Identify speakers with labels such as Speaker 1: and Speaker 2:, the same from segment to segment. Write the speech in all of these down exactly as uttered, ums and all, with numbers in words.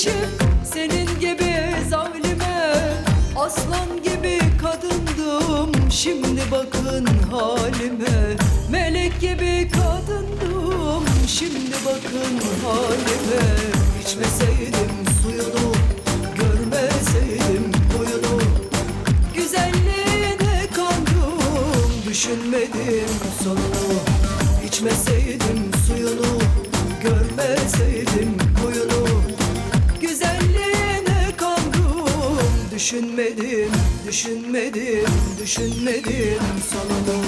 Speaker 1: kardeşim, senin gibi zalime aslan gibi kadındım. Şimdi bakın halime, melek gibi kadındım. Şimdi bakın halime. İçmeseydim suyunu, görmeseydim boyunu, güzelliğine kandım, düşünmedim sonunu. İçmeseydim suyunu, görmeseydim boyunu, güzelliğine kandım, düşünmedim, düşünmedim, düşünmedim sonunu.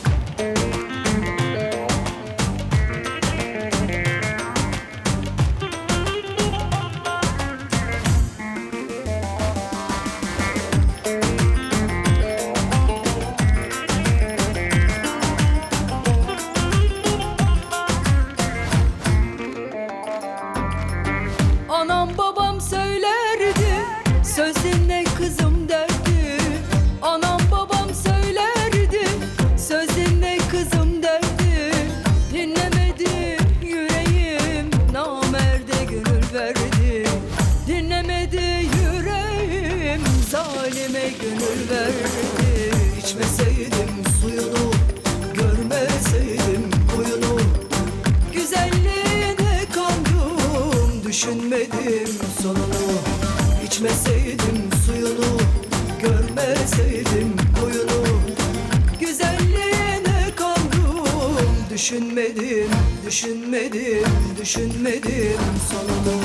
Speaker 1: Anam babam söylerdi, söz dinle kızım derdi. Anam babam söylerdi, söz dinle kızım derdi. Dinlemedi yüreğim, namerde gönül verdi. Dinlemedi yüreğim, zalime gönül verdi. İçmeseydim suyunu, görmeseydim boyunu, güzelliğine kandım, düşünmedim sonunu. İçmeseydim suyunu, görmeseydim boyunu, güzelliğine kandım, düşünmedim, düşünmedim, düşünmedim sonunu.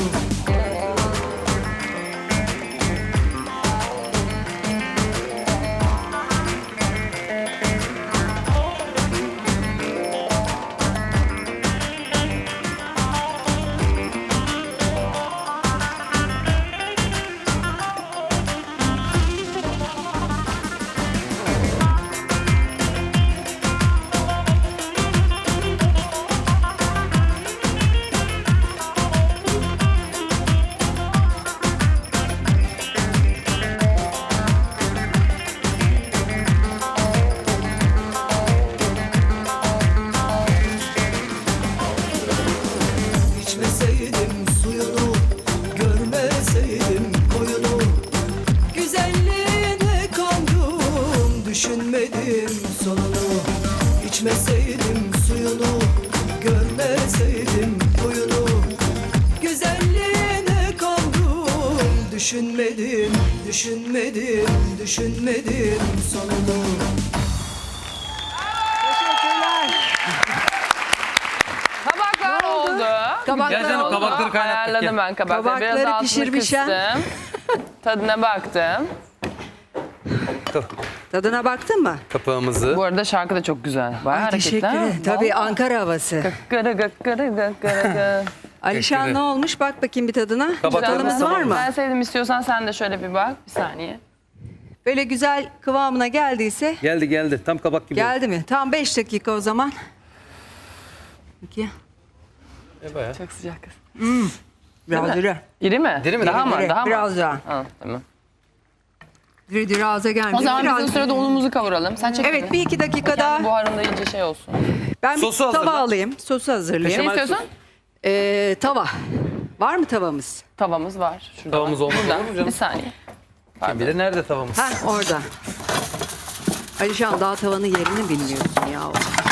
Speaker 1: İçmeseydim suyunu, görmeseydim boyunu, güzelliğine kandım, düşünmedim sonunu. İçmeseydim suyunu, görmeseydim boyunu, güzelliğine kandım, düşünmedim, düşünmedim, düşünmedim sonunu.
Speaker 2: Kabaklar oldu.
Speaker 3: Kabaklar
Speaker 4: Gerçekten o
Speaker 3: oldu.
Speaker 4: kabakları kaynattık.
Speaker 2: Ayarladım
Speaker 4: ya.
Speaker 2: ben kabakları.
Speaker 3: Kabakları
Speaker 2: Biraz altını
Speaker 3: pişirmişim.
Speaker 2: kıstım. Tadına baktım.
Speaker 3: Tadına baktın mı?
Speaker 4: Kapağımızı.
Speaker 2: Bu arada şarkı da çok güzel. Bayağı
Speaker 3: Ay, teşekkür
Speaker 2: hareketli.
Speaker 3: ederim. Tabii Ankara havası.
Speaker 2: Gıkırı gıkırı gıkırı.
Speaker 3: Alişan
Speaker 4: Teşekkür
Speaker 3: ne olmuş? Bak bakayım bir tadına.
Speaker 4: Kabaklarımız
Speaker 3: Tadımız
Speaker 4: tamam
Speaker 3: var
Speaker 4: mı?
Speaker 3: mı?
Speaker 2: Ben sevdim, istiyorsan sen de şöyle bir bak. Bir saniye.
Speaker 3: Böyle güzel kıvamına geldiyse
Speaker 4: Geldi geldi. Tam kabak gibi.
Speaker 3: geldi mi? Tam beş dakika o zaman. Peki.
Speaker 4: E, bayağı.
Speaker 2: Çok sıcak kız.
Speaker 3: Biraz diri.
Speaker 2: İri mi?
Speaker 4: Diri mi?
Speaker 2: Daha mı?
Speaker 3: Diri,
Speaker 2: Daha mı?
Speaker 3: biraz daha.
Speaker 2: Ha, tamam.
Speaker 3: Diri diri ağza gelmiyor.
Speaker 2: O zaman
Speaker 3: Biraz-
Speaker 2: biz o sırada unumuzu kavuralım. Sen çek.
Speaker 3: Evet, bir iki dakika
Speaker 2: Kendi
Speaker 3: daha.
Speaker 2: buharında iyice şey olsun.
Speaker 3: Ben bir
Speaker 4: Sosu hazırla.
Speaker 3: tava alayım. Sosu
Speaker 2: Ne
Speaker 3: hazırlayayım.
Speaker 4: Kemal-
Speaker 2: istiyorsun?
Speaker 3: Ee, tava. Var mı tavamız?
Speaker 2: Tavamız var. Şurada
Speaker 4: Tavamız
Speaker 2: var.
Speaker 4: olmaz
Speaker 2: Burada.
Speaker 4: olur mu canım?
Speaker 2: Bir saniye.
Speaker 4: Kim bilir nerede tavamız?
Speaker 3: Ha orada. Alişan daha tavanın yerini bilmiyorsun ya.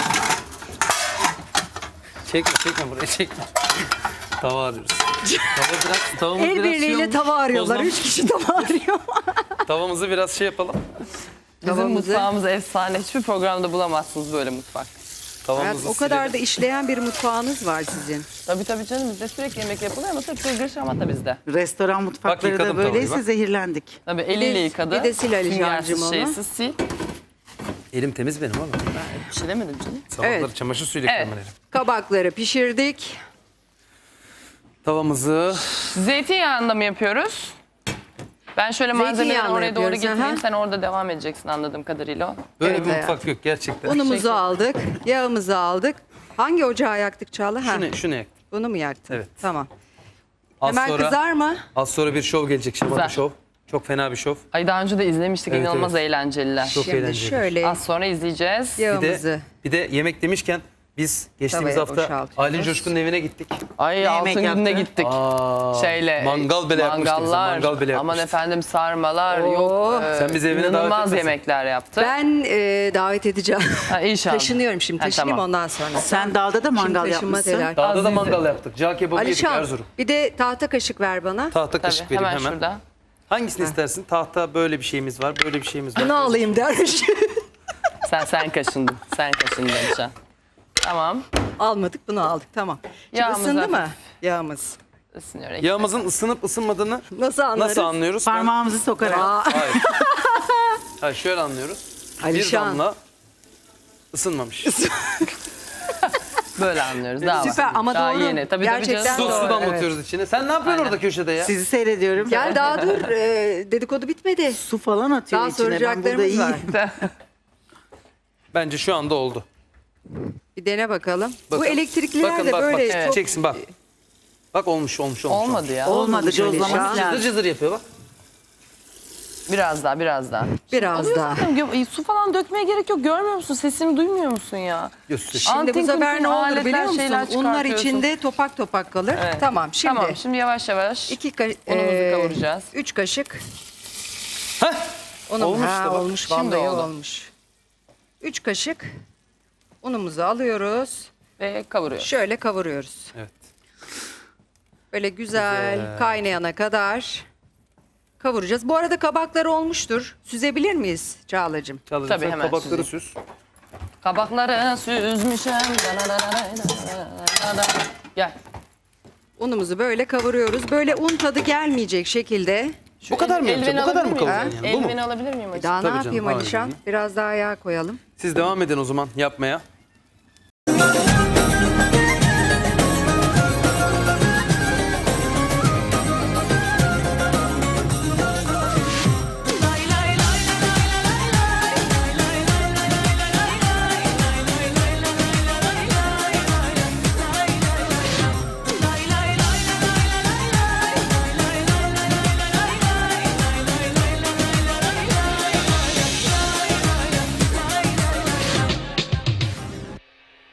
Speaker 4: Çekme çekme buraya çekme. Tava arıyoruz. Tava biraz, tavamız
Speaker 3: El
Speaker 4: biraz şey
Speaker 3: birliğiyle
Speaker 4: olmuş,
Speaker 3: tava arıyorlar.
Speaker 4: tozlanmış.
Speaker 3: Üç kişi tava arıyor.
Speaker 4: Tavamızı biraz şey yapalım.
Speaker 2: Bizim
Speaker 3: Tavamızı-
Speaker 2: mutfağımız efsane. Hiçbir programda bulamazsınız böyle mutfak.
Speaker 3: Hayat,
Speaker 4: Tavamızı
Speaker 3: o kadar da
Speaker 4: silelim.
Speaker 3: işleyen bir mutfağınız var sizin.
Speaker 2: Tabii tabii canım, bizde sürekli yemek yapılıyor ama tabii kırgır şamata bizde.
Speaker 5: Restoran mutfakları
Speaker 4: yıkadım
Speaker 5: da böyleyse
Speaker 4: tavayı, bak.
Speaker 2: Tabii
Speaker 5: zehirlendik.
Speaker 3: Bir
Speaker 2: eliyle
Speaker 3: de-
Speaker 2: yıkadı.
Speaker 3: bir de sil Alican'cığım
Speaker 2: Süngersiz,
Speaker 3: onu.
Speaker 2: şeysiz sil.
Speaker 4: Elim temiz benim ama.
Speaker 2: Bir şey demedim canım.
Speaker 4: Sabahları
Speaker 3: Evet.
Speaker 4: çamaşır suyuyla
Speaker 2: Evet.
Speaker 4: yıkamam elim.
Speaker 3: Kabakları pişirdik.
Speaker 4: Tavamızı
Speaker 2: Zeytinyağında mı yapıyoruz? Ben şöyle malzemeleri
Speaker 3: Zeytinyağında
Speaker 2: oraya doğru
Speaker 3: yapıyoruz,
Speaker 2: getireyim.
Speaker 3: aha.
Speaker 2: Sen orada devam edeceksin anladığım kadarıyla.
Speaker 4: böyle
Speaker 3: Evet
Speaker 4: bir
Speaker 3: hayatım.
Speaker 4: mutfak yok gerçekten.
Speaker 3: Unumuzu
Speaker 2: Teşekkür.
Speaker 3: aldık. Yağımızı aldık. Hangi ocağı yaktık Çağla? Ha,
Speaker 4: Şunu, şunu yaktım.
Speaker 3: bunu mu yaktın?
Speaker 4: Evet.
Speaker 3: Tamam.
Speaker 4: Az
Speaker 3: Hemen
Speaker 4: sonra,
Speaker 3: kızar mı?
Speaker 4: az sonra bir şov gelecek. Şamata
Speaker 2: Güzel.
Speaker 4: şov. Çok fena bir şov.
Speaker 2: Ay daha önce de izlemiştik.
Speaker 4: Evet,
Speaker 2: İnanılmaz
Speaker 4: evet.
Speaker 2: eğlenceliler.
Speaker 4: Çok
Speaker 3: Şimdi
Speaker 4: eğlenceli.
Speaker 3: şöyle
Speaker 2: Az sonra izleyeceğiz.
Speaker 4: Bir
Speaker 3: yağımızı.
Speaker 4: de, bir de yemek demişken Biz geçtiğimiz
Speaker 3: Tavaya
Speaker 4: hafta
Speaker 3: boşaltıyoruz.
Speaker 4: Aylin Coşkun'un evine gittik.
Speaker 2: Ay
Speaker 5: yemek
Speaker 2: altın gününe
Speaker 5: yaptı?
Speaker 2: gittik.
Speaker 4: Aa,
Speaker 2: Şeyle.
Speaker 4: mangal bile yapmıştı bize,
Speaker 2: mangallar,
Speaker 4: mangal bile
Speaker 2: Aman
Speaker 4: yapmıştı.
Speaker 2: efendim sarmalar
Speaker 3: Oo.
Speaker 2: yok. e,
Speaker 4: Sen bizi evine davet
Speaker 2: inanılmaz
Speaker 4: etmesin.
Speaker 2: yemekler yaptı.
Speaker 3: Ben e, davet edeceğim.
Speaker 2: Ha, inşallah.
Speaker 3: Taşınıyorum şimdi.
Speaker 2: Ha,
Speaker 3: Taşınayım
Speaker 2: tamam.
Speaker 3: ondan sonra.
Speaker 5: Sen dağda da mangal
Speaker 3: Şimdi taşınma
Speaker 5: yapmışsın.
Speaker 3: telaş.
Speaker 4: Dağda da
Speaker 2: Azize.
Speaker 4: mangal yaptık. Cağ kebabı yedik
Speaker 3: Alişan
Speaker 4: Erzurum.
Speaker 3: bir de tahta kaşık ver bana.
Speaker 4: Tahta
Speaker 2: Tabii,
Speaker 4: kaşık vereyim
Speaker 2: hemen,
Speaker 4: hemen.
Speaker 2: şurada.
Speaker 4: Hangisini istersin? Tahta böyle bir şeyimiz var, böyle bir şeyimiz var.
Speaker 3: Bunu alayım dermiş.
Speaker 2: Sen sen kaşındın. Sen kaşındın Alişan. Tamam.
Speaker 3: Almadık bunu aldık tamam. Şimdi
Speaker 2: Yağımız
Speaker 3: ısındı
Speaker 2: hafif.
Speaker 3: mı? Yağımız.
Speaker 2: Isınıyor.
Speaker 4: Yağımızın ısınıp ısınmadığını
Speaker 3: Nasıl anlarız?
Speaker 4: nasıl anlıyoruz? Ben-
Speaker 5: Parmağımızı sokarak.
Speaker 3: Aa,
Speaker 4: Hayır. Hayır şöyle anlıyoruz.
Speaker 3: Alişan.
Speaker 4: Bir damla ısınmamış.
Speaker 2: Böyle anlıyoruz. Daha
Speaker 3: Süper
Speaker 2: var.
Speaker 3: ama
Speaker 2: Daha
Speaker 3: doğru.
Speaker 2: yeni. Tabii,
Speaker 3: Gerçekten
Speaker 2: tabii
Speaker 4: Su,
Speaker 2: canım.
Speaker 3: doğru.
Speaker 4: su damlatıyoruz içine. Sen ne yapıyorsun
Speaker 2: Aynen.
Speaker 4: orada köşede ya?
Speaker 5: Sizi seyrediyorum.
Speaker 3: Gel daha dur. Ee, dedikodu bitmedi.
Speaker 5: Su falan atıyor
Speaker 3: Daha
Speaker 5: içine. Ben burada
Speaker 3: soracaklarımız var.
Speaker 5: iyiyim.
Speaker 4: Bence şu anda oldu.
Speaker 3: Bir dene bakalım. Bu
Speaker 4: Bakın.
Speaker 3: elektrikliler
Speaker 4: Bakın
Speaker 3: de
Speaker 4: bak
Speaker 3: böyle
Speaker 4: bak.
Speaker 2: Evet.
Speaker 3: çok...
Speaker 4: Çeksin bak. Bak olmuş olmuş olmuş.
Speaker 2: Olmadı ya.
Speaker 5: Olmadı,
Speaker 3: Olmamış
Speaker 5: cozlaması
Speaker 3: Alişan.
Speaker 4: Cızır
Speaker 5: lazım.
Speaker 4: cızır yapıyor bak.
Speaker 2: Biraz daha, biraz daha.
Speaker 3: Biraz
Speaker 2: Oluyor
Speaker 3: daha.
Speaker 2: zaten. Gö- Su falan dökmeye gerek yok. Görmüyor musun? Sesimi duymuyor musun ya?
Speaker 4: Göster.
Speaker 3: Şimdi bu
Speaker 2: Antin
Speaker 3: sefer
Speaker 2: kuntin
Speaker 3: ne olur
Speaker 2: aletler,
Speaker 3: biliyor musun?
Speaker 2: şeyler
Speaker 3: Unlar
Speaker 2: çıkartıyorsun.
Speaker 3: içinde topak topak kalır.
Speaker 2: Evet.
Speaker 3: Tamam şimdi.
Speaker 2: Tamam şimdi yavaş yavaş.
Speaker 3: iki ka-
Speaker 2: Unumuzu
Speaker 3: ee,
Speaker 2: kavuracağız.
Speaker 3: Üç kaşık.
Speaker 4: Heh.
Speaker 3: Unum,
Speaker 4: Olmuş
Speaker 3: ha,
Speaker 4: da bak.
Speaker 3: olmuş
Speaker 2: Şimdi
Speaker 3: vallahi
Speaker 2: oldu.
Speaker 3: olmuş. Üç kaşık unumuzu alıyoruz.
Speaker 2: Ve kavuruyoruz.
Speaker 3: Şöyle kavuruyoruz.
Speaker 4: Evet.
Speaker 3: Böyle güzel,
Speaker 4: Güzel.
Speaker 3: kaynayana kadar kavuracağız. Bu arada kabaklar olmuştur. Süzebilir miyiz Çağla'cığım?
Speaker 4: Çağla'cığım
Speaker 2: Tabii,
Speaker 4: sen
Speaker 2: hemen
Speaker 4: kabakları
Speaker 2: süzeyim.
Speaker 4: süz.
Speaker 2: Kabakları süzmüşüm. Gel.
Speaker 3: Unumuzu böyle kavuruyoruz. Böyle un tadı gelmeyecek şekilde.
Speaker 2: Şu
Speaker 4: Bu kadar mı
Speaker 2: el-
Speaker 4: yapacağım?
Speaker 2: eldiven
Speaker 4: Bu kadar mı
Speaker 2: alabilir miyim?
Speaker 4: kavuracaksın yani? Bu mu?
Speaker 2: Eldiveni alabilir miyim?
Speaker 3: Daha
Speaker 4: Tabii
Speaker 3: ne
Speaker 4: canım,
Speaker 3: yapayım
Speaker 4: hayır,
Speaker 3: Alişan?
Speaker 4: değil.
Speaker 3: Biraz daha yağ koyalım.
Speaker 4: Siz devam edin o zaman yapmaya.